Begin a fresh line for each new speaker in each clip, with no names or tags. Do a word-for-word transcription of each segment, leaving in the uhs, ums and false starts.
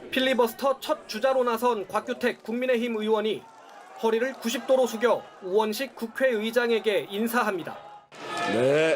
필리버스터 첫 주자로 나선 곽규택 국민의힘 의원이 허리를 구십 도로 숙여 우원식 국회의장에게 인사합니다.
네,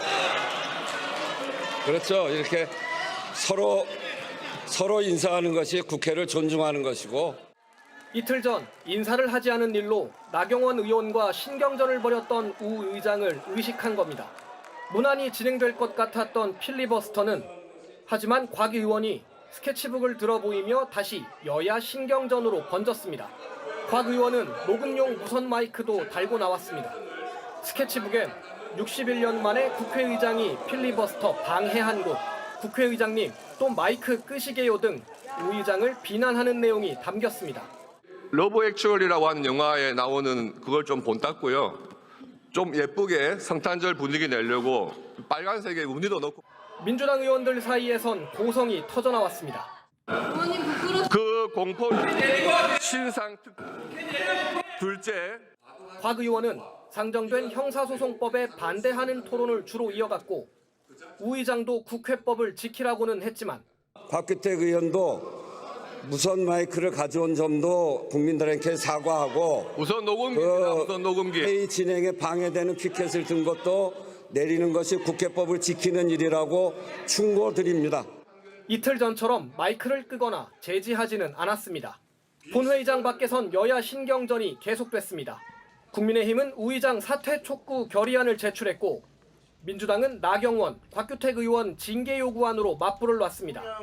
그렇죠. 이렇게 서로 서로 인사하는 것이 국회를 존중하는 것이고.
이틀 전 인사를 하지 않은 일로 나경원 의원과 신경전을 벌였던 우 의장을 의식한 겁니다. 무난히 진행될 것 같았던 필리버스터는 하지만 곽 의원이 스케치북을 들어 보이며 다시 여야 신경전으로 번졌습니다. 곽 의원은 녹음용 무선 마이크도 달고 나왔습니다. 스케치북엔 육십일 년 만에 국회의장이 필리버스터 방해한 곳, 국회의장님 또 마이크 끄시게요 등 우 의장을 비난하는 내용이 담겼습니다.
러브 액츄얼이라고 하는 영화에 나오는 그걸 좀 본땄고요. 좀 예쁘게 성탄절 분위기 내려고 빨간색에 무늬도 넣고.
민주당 의원들 사이에선 고성이 터져나왔습니다.
그 공포 신상 특 둘째.
곽 의원은 상정된 형사소송법에 반대하는 토론을 주로 이어갔고 우 의장도 국회법을 지키라고는 했지만
곽규택 의원도 무선 마이크를 가져온 점도 국민들에게 사과하고
우선 녹음기입니다.
그
우선 녹음기.
회의 진행에 방해되는 피켓을 든 것도 내리는 것이 국회법을 지키는 일이라고 충고드립니다.
이틀 전처럼 마이크를 끄거나 제지하지는 않았습니다. 본회의장 밖에선 여야 신경전이 계속됐습니다. 국민의힘은 우 의장 사퇴 촉구 결의안을 제출했고 민주당은 나경원, 곽규택 의원 징계 요구안으로 맞불을 놨습니다.